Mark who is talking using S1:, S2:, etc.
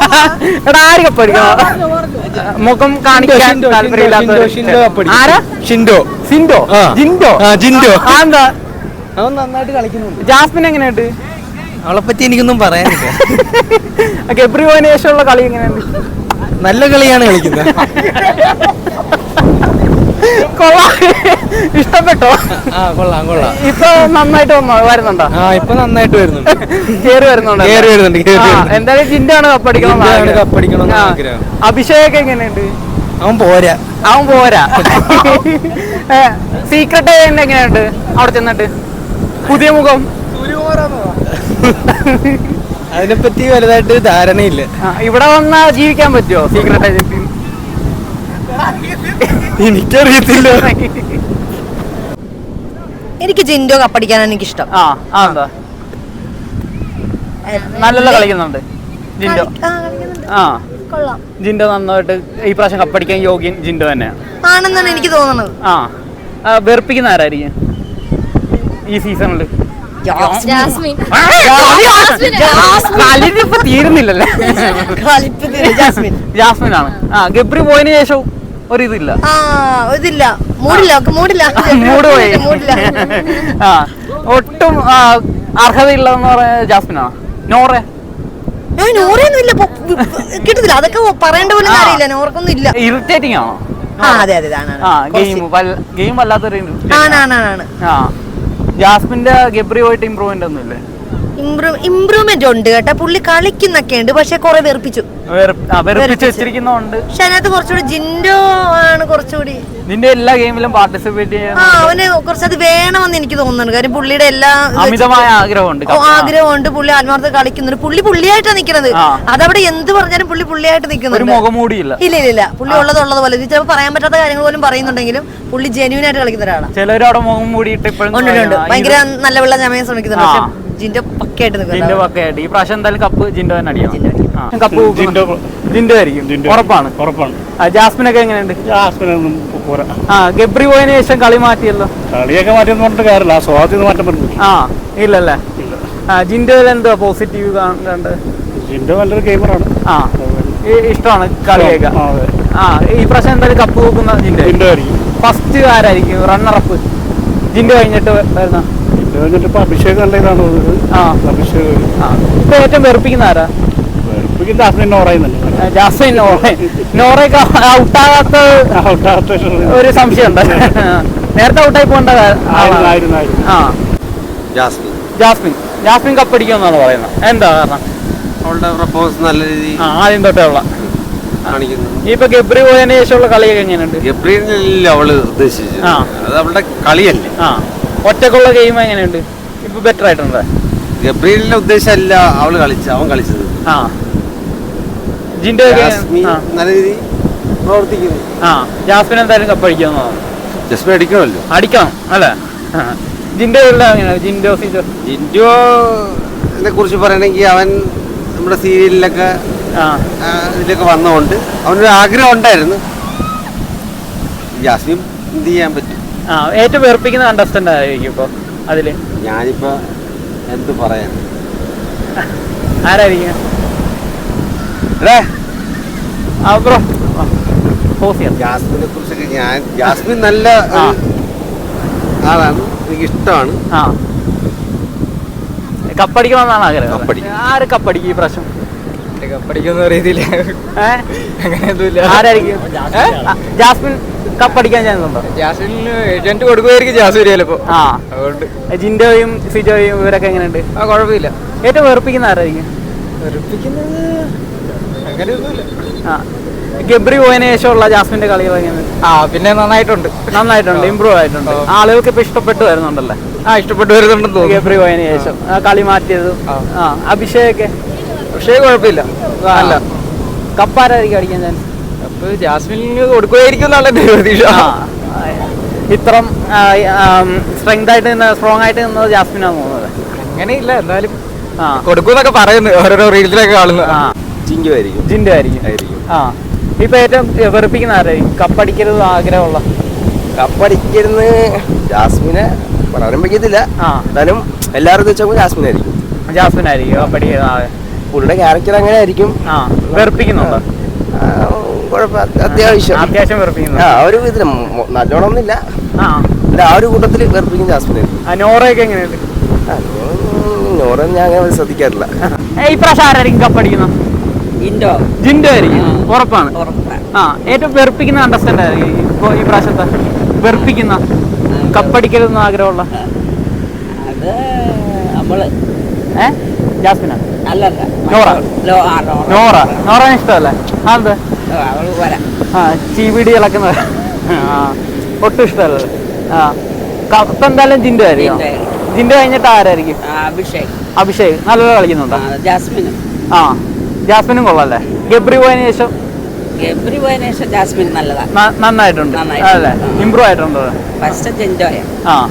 S1: എടാ ആര് കപ്പടിക്കണം? മുഖം കാണിക്കാൻ താല്പര്യമില്ലാത്ത ആരാ? ഷിൻഡോ. സിൻഡോ? ജിൻഡോ? ജിൻഡോ. എന്താ
S2: അവൻ നന്നായിട്ട് കളിക്കുന്നുണ്ട്.
S1: ജാസ്മിൻ എങ്ങനെയുണ്ട്?
S2: അവളെ പറ്റി എനിക്കൊന്നും പറയാനില്ല.
S1: ഗബ്രി പോയതിനു ശേഷമുള്ള കളി എങ്ങനെയുണ്ട്?
S2: നല്ല കളിയാണ് കളിക്കുന്നത്.
S1: ഇഷ്ടപ്പെട്ടോ?
S2: കൊള്ളാം കൊള്ളാം.
S1: ഇപ്പൊ നന്നായിട്ട് വരുന്നുണ്ടോ?
S2: ഇപ്പൊ നന്നായിട്ട് വരുന്നുണ്ട്.
S1: കേറി വരുന്നുണ്ട്. എന്തായാലും ജിൻഡാണ് കപ്പടിക്കണം. അഭിഷേക് എങ്ങനെയുണ്ട്?
S2: അവൻ പോരാ.
S1: സീക്രട്ട് എങ്ങനെയുണ്ട് അവിടെ ചെന്നിട്ട്? പുതിയ മുഖം
S2: അതിനെപ്പറ്റി വലുതായിട്ട് ധാരണയില്ല.
S1: ഇവിടെ വന്നാ ജീവിക്കാൻ പറ്റുമോ സീക്രട്ട് ഏജൻസി?
S2: എനിക്കറിയത്തില്ല.
S3: എനിക്ക് ജിൻഡോ കപ്പടിക്കാനാണ് എനിക്കിഷ്ടം.
S1: എന്താ നല്ല കളിക്കുന്നുണ്ട് ജിൻഡോ. ജിൻഡോ നന്നായിട്ട് ഈ പ്രാവശ്യം കപ്പടിക്കാൻ യോഗ്യൻ ജിൻഡോ തന്നെയാണ്
S3: ആണെന്നാണ് എനിക്ക് തോന്നുന്നത്.
S1: വെറുപ്പിക്കുന്ന ആരായിരിക്കും ഈ സീസണില്? തീരുന്നില്ലല്ലേ? ജാസ്മിൻ ആണ്. ഗബ്രി പോയതിനു ശേഷം ഒരിതില്ല, മൂഡ് പോയി. ഒട്ടും അർഹതയില്ലെന്ന് പറയാ ജാസ്മിനാണ്. നോറേ
S3: കിട്ടത്തില്ല, അതൊക്കെ പറയേണ്ട പോലും അറിയില്ല. നോർക്കൊന്നും ഇല്ല.
S1: ഇറിറ്റേറ്റിംഗ് ആണോ? ഗെയിം വല്ലാത്തൊരു ജാസ്മിന്റെ ഗബ്രി പോയിട്ട് ഇമ്പ്രൂവ്മെന്റ് ഒന്നും ഇല്ലേ?
S3: ഇമ്പ്രൂവ്മെന്റ് ഉണ്ട് കേട്ടോ. പുള്ളി കളിക്കുന്നൊക്കെ ഉണ്ട്, പക്ഷെ കുറെ വെറുപ്പിച്ചു
S1: വെച്ചിരിക്കുന്നുണ്ട്.
S3: പക്ഷെ അതിനകത്ത് കുറച്ചുകൂടി ജിൻഡോ ആണ് കുറച്ചുകൂടി.
S1: നിന്റെ എല്ലാ ഗെയിമിലും പാർട്ടിസിപ്പേറ്റ് ചെയ്യാൻ
S3: അവന് കുറച്ചത് വേണമെന്ന് എനിക്ക് തോന്നുന്നുണ്ട്. കാര്യം പുള്ളിയുടെ എല്ലാ
S1: അമിതമായ ആഗ്രഹമുണ്ട്.
S3: പുള്ളി ആത്മാർത്ഥ കളിക്കുന്നുണ്ട്. പുള്ളിയായിട്ടാണ് നിൽക്കുന്നത്. അതവിടെ എന്ത് പറഞ്ഞാലും പുള്ളിയായിട്ട് നിൽക്കുന്നുണ്ട്. ഇല്ല പുള്ളി ഉള്ളത് പോലെ ചിലപ്പോൾ പറയാൻ പറ്റാത്ത കാര്യങ്ങൾ പോലും പറയുന്നുണ്ടെങ്കിലും പുള്ളി ജെന്യൂൻ ആയിട്ട് കളിക്കുന്ന ഒരാളാണ്.
S1: ചിലരവിടെ മുഖം മൂടിയിട്ട്
S3: ഉണ്ട്. ഭയങ്കര നല്ല വെള്ളം ചമയാൻ ശ്രമിക്കുന്നുണ്ട്. പക്ഷെ ജിൻഡോ പക്കയായിട്ട് നിൽക്കുന്നുണ്ട്.
S1: ഈ പ്രാവശ്യം എന്തായാലും കപ്പ് ജിൻഡോ തന്നെ അടിക്കണം. കപ്പ് ജിൻഡോ ആയിരിക്കും, ഉറപ്പാണ്. ജാസ്മിനൊക്കെ എങ്ങനെയുണ്ട്?
S4: ജാസ്മിനൊന്നും പോരാ.
S1: ഗബ്രി പോയതിനു ശേഷം കളി മാറ്റിയല്ലോ.
S4: കളിയൊക്കെ മാറ്റിയെന്ന് പറഞ്ഞിട്ട് കാര്യമില്ല, സ്വാധീനം മാറ്റം പറ്റില്ല.
S1: ഇല്ലല്ലേ? ജിൻഡോയിൽ എന്താ പോസിറ്റീവ് കണ്ടത്?
S4: ജിൻഡോ നല്ലൊരു ഗെയിമറാണ്.
S1: ഇഷ്ടമാണ് കളിയൊക്കെ. ഈ പ്രാവശ്യം എന്തായാലും കപ്പ് നോക്കുന്ന ജിൻഡോ ആയിരിക്കും. ഫസ്റ്റ് ആരായിരിക്കും റണ്ണറപ്പ് ജിൻഡോ കഴിഞ്ഞിട്ട് വരുന്ന?
S4: ഇപ്പൊ അഭിഷേക് നല്ല ഇതാണ്. അഭിഷേക്
S1: ഇപ്പൊ ഏറ്റവും വെറുപ്പിക്കുന്ന ആരാ? ജാസ്മിൻ നോറയൊക്കെ ഔട്ടാകാത്ത ഒരു സംശയമുണ്ട്. നേരത്തെ ഔട്ടായി പോകേണ്ട ജാസ്മിൻ കപ്പടിക്കുമെന്നാണ് പറയുന്നത്. എന്താ കാരണം?
S5: അവളുടെ പെർഫോമൻസ് നല്ല രീതിയിൽ
S1: ആദ്യം തൊട്ടേ ഉള്ള ഇപ്പൊ ഗബ്രി പോയതിനു ശേഷമുള്ള കളിയൊക്കെ എങ്ങനെയുണ്ട്?
S5: ഗബ്രിയല്ല അവള് ഉദ്ദേശിച്ചത്, അത് അവളുടെ കളിയല്ലേ.
S1: ഒറ്റക്കുള്ള ഗെയിം എങ്ങനെയുണ്ട്? ഇപ്പൊ ബെറ്റർ ആയിട്ടുണ്ട്.
S5: ഗബ്രിയലിന്റെ ഉദ്ദേശമല്ല അവൻ കളിച്ചത്.
S1: ജിൻഡോ
S5: നല്ല രീതിയിൽ പ്രവർത്തിക്കുന്നു.
S1: ജാസ്മിൻ എന്തായാലും കപ്പടിക്കുമെന്നാണ്.
S5: ജാസ്മിൻ അടിക്കണമല്ലോ,
S1: അടിക്കണം അല്ലേ? ജിൻഡോ എങ്ങനെയാണ്?
S5: ജിൻഡോനെ കുറിച്ച് പറയണമെങ്കിൽ അവൻ നമ്മുടെ സീരിയലിലൊക്കെ ഇതിലൊക്കെ വന്നതുകൊണ്ട് അവനൊരു ആഗ്രഹം ഉണ്ടായിരുന്നു. ജാസ്മിൻ എന്ത് ചെയ്യാൻ പറ്റും?
S1: ഏറ്റവും വെറുപ്പിക്കുന്ന കണ്ടസ്റ്റന്റ് ആയിരിക്കും ഇപ്പൊ അതില്?
S5: ഞാനിപ്പോ എന്ത് പറയാൻ,
S1: ആരായിരിക്കും?
S5: ജാസ്മിനെ കുറിച്ചൊക്കെ ജാസ്മിൻ നല്ല ആളാണ്, എനിക്ക് ഇഷ്ടമാണ്.
S1: കപ്പടിക്കണമെന്നാണ് ആഗ്രഹം. ആര് കപ്പടിക്കും ഈ പ്രാവശ്യം?
S2: കപ്പടിക്കുന്ന രീതിയില് അങ്ങനെയൊന്നുമില്ല.
S1: ആരായിരിക്കും? ജാസ്മിൻ കപ്പടിക്കാൻ ചാൻസ് ഉണ്ടോ?
S2: ജാസ്മിന് ഏജന്റ് കൊടുക്കുമായിരിക്കും ജാസ്മിൻ ചിലപ്പോ.
S1: അതുകൊണ്ട് ജിൻഡോയും സിജോയും ഇവരൊക്കെ എങ്ങനെയുണ്ട്?
S2: കുഴപ്പമില്ല.
S1: ഏറ്റവും വെറുപ്പിക്കുന്ന ആരായിരിക്കും?
S2: വെറുപ്പിക്കുന്നത് അങ്ങനെയൊന്നുമില്ല.
S1: ഗബ്രി പോയതിനു ശേഷമുള്ള ജാസ്മിന്റെ കളികൾ എങ്ങനെയുണ്ട്?
S2: പിന്നെ നന്നായിട്ടുണ്ട്,
S1: ഇമ്പ്രൂവ് ആയിട്ടുണ്ട്. ആളുകൾക്ക് ഇപ്പൊ ഇഷ്ടപ്പെട്ടു വരുന്നുണ്ടല്ലേ?
S2: ഇഷ്ടപ്പെട്ടു വരുന്നുണ്ടെന്ന് തോന്നുന്നു.
S1: ഗബ്രി പോയതിനു ശേഷം കളി മാറ്റിയത്. അഭിഷേക്
S2: കുഴപ്പമില്ല, നല്ല.
S1: കപ്പാരായിരിക്കും അടിക്കാൻ ചാൻസ്?
S2: അപ്പൊ ജാസ്മിന് കൊടുക്കുമായിരിക്കും എന്നുള്ള പ്രതീക്ഷ.
S1: ഇത്രം സ്ട്രോങ് ആയിട്ട് നിന്നത് ജാസ്മിനാണ് തോന്നുന്നത്.
S2: അങ്ങനെയില്ല, എന്നാലും കൊടുക്കൂന്നൊക്കെ പറയുന്നു ഓരോരോ റീൽസിലൊക്കെ കാണുന്നു.
S5: ജിൻഡോ ആയിരിക്കും.
S1: ഇപ്പൊ ഏറ്റവും വെറുപ്പിക്കുന്ന ആരായിരിക്കും? കപ്പടിക്കരുത് ആഗ്രഹമുള്ള?
S6: കപ്പടിക്കരുന്ന് ജാസ്മിനെ പറയാനും പറ്റത്തില്ല. എന്നാലും എല്ലാവരും വെച്ചാൽ ജാസ്മിനായിരിക്കും
S1: കപ്പടിക്കുന്നത്.
S6: പുള്ളിയുടെ ക്യാരക്ടർ അങ്ങനെ ആയിരിക്കും.
S1: വെറുപ്പിക്കുന്നുണ്ടോ?
S6: അത്യാവശ്യം
S1: വെറുപ്പിക്കുന്നു.
S6: ഒരു ഇതിന് നല്ലോണം ഒന്നുമില്ല. ആ ഒരു കൂട്ടത്തിൽ വെറുപ്പിക്കും ജാസ്മിനെ.
S1: നോറയൊക്കെ എങ്ങനെയുണ്ട്?
S6: നോറ ഞാൻ അങ്ങനെ ശ്രദ്ധിക്കാറില്ല.
S1: ഈ പ്രാവശ്യം ആരായിരിക്കും കപ്പടിക്കുന്നത്? ജിൻഡോ ആയിരിക്കും, ഉറപ്പാണ്. ഏറ്റവും വെറുപ്പിക്കുന്ന കണ്ടസ്റ്റന്റ് ആയിരിക്കും ഇപ്പൊ ഈ പ്രാവശ്യത്തെ വെറുപ്പിക്കുന്ന കപ്പടിക്കരുതെന്ന് ആഗ്രഹമുള്ള? ജാസ്മിന? നോറ ഇഷ്ടമല്ലേ? അതെ, ചീവിടി ഇളക്കുന്നത് ഒട്ടും ഇഷ്ടമല്ലേ? കപ്പ് എന്തായാലും ജിൻഡോ ആയിരിക്കും. ജിൻഡോ കഴിഞ്ഞിട്ട് ആരായിരിക്കും? അഭിഷേക് നല്ലപോലെ കളിക്കുന്നുണ്ടോ? ജാസ്മിനും കൊള്ളാല്ലേ? ഗബ്രി പോയതിനു ശേഷം
S7: ജാസ്മിൻ നല്ലതാണ്,
S1: നന്നായിട്ടുണ്ട് അല്ലേ? ഇമ്പ്രൂവ് ആയിട്ടുണ്ട്.
S7: ഫസ്റ്റ് ജിൻഡോയാ.